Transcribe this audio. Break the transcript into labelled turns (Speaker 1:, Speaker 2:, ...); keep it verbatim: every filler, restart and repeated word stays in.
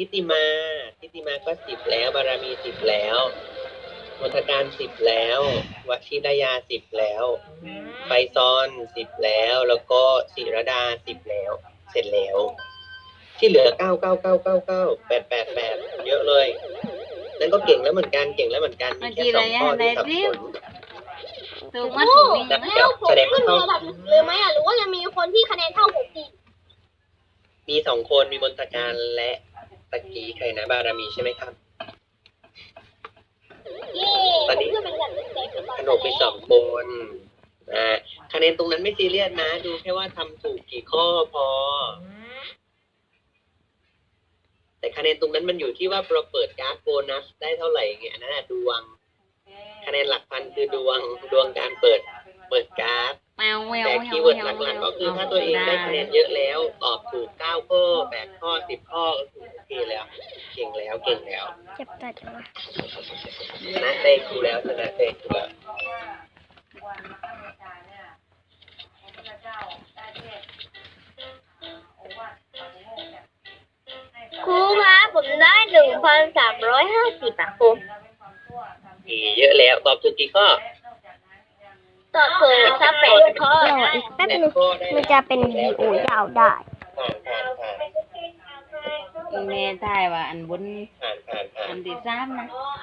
Speaker 1: ทิติมาทิติมาก็สิบแล้ว บารมีสิบแล้ว มณฑการสิบแล้ว วชิรยาสิบแล้ว ไฟซอนสิบแล้ว แล้วก็ศิรดาสิบแล้ว เสร็จแล้ว ที่เหลือเก้าเก้าเก้าเก้าเก้าแปดแปดแปดเยอะเลย นั่นก็เก่งแล้วเหมือนกัน เก่งแล้วเหมือนกัน มีแค่สองข้อที่สับสน
Speaker 2: ถูกมาถูกนี่
Speaker 1: แล้ว
Speaker 3: แล้วผมขึ้นระดับเลยไหมอ่ะหรือว่ายังมีคนที่คะแนนเท่าผมอีก
Speaker 1: มีสองคนมีมนตการและตะกี้ใครนะบารมีใช่ไหมครับ
Speaker 3: เย้ผมขึ้นเป็นแบบแดงเป็นตอน
Speaker 1: ขนมไปสองคนอ่าคะแนนตรงนั้นไม่ซีเรียสนะ ดูแค่ว่าทำถูกกี่ข้อพอ แต่คะแนนตรงนั้นมันอยู่ที่ว่าเราเปิดการ์ดโบนัสได้เท่าไหร่ไงอันนั้นนะดวง คะแนนหลักพันคือดวงดวงการเปิดเปิดการ์ด
Speaker 2: แมวแมว
Speaker 1: แต่คีย์เวิร์ดหลักๆก็คือถ้าตัวเองได้คะแนนเยอะแล้ว ตอบถูกเก้าข้อแปดข้อสิบข้อก็คือโอเคแล้ว เก่งแล้วเก่งแล้ว
Speaker 4: เจ็บตัดวะ
Speaker 1: ชนะเต้กูแล้วชนะเต้กูแล้ว
Speaker 3: ครูครับผมได้หนึ่งพันสามร้อยห้าสิบอ่ะครู
Speaker 1: อีเยอะแล้วตอบถูกกี่ข้อ
Speaker 3: ตอบถูกสักแปดข้อ
Speaker 4: เดี๋ยวอีกแป๊บนึงมันจะเป็นวีดีโอยาวได้
Speaker 1: ผ่านผ่านผ่าน
Speaker 2: อีเมลถ่ายว่าอันบน
Speaker 1: ผ่านผ่านผ่า
Speaker 2: อั
Speaker 1: น
Speaker 2: นที่สามนะ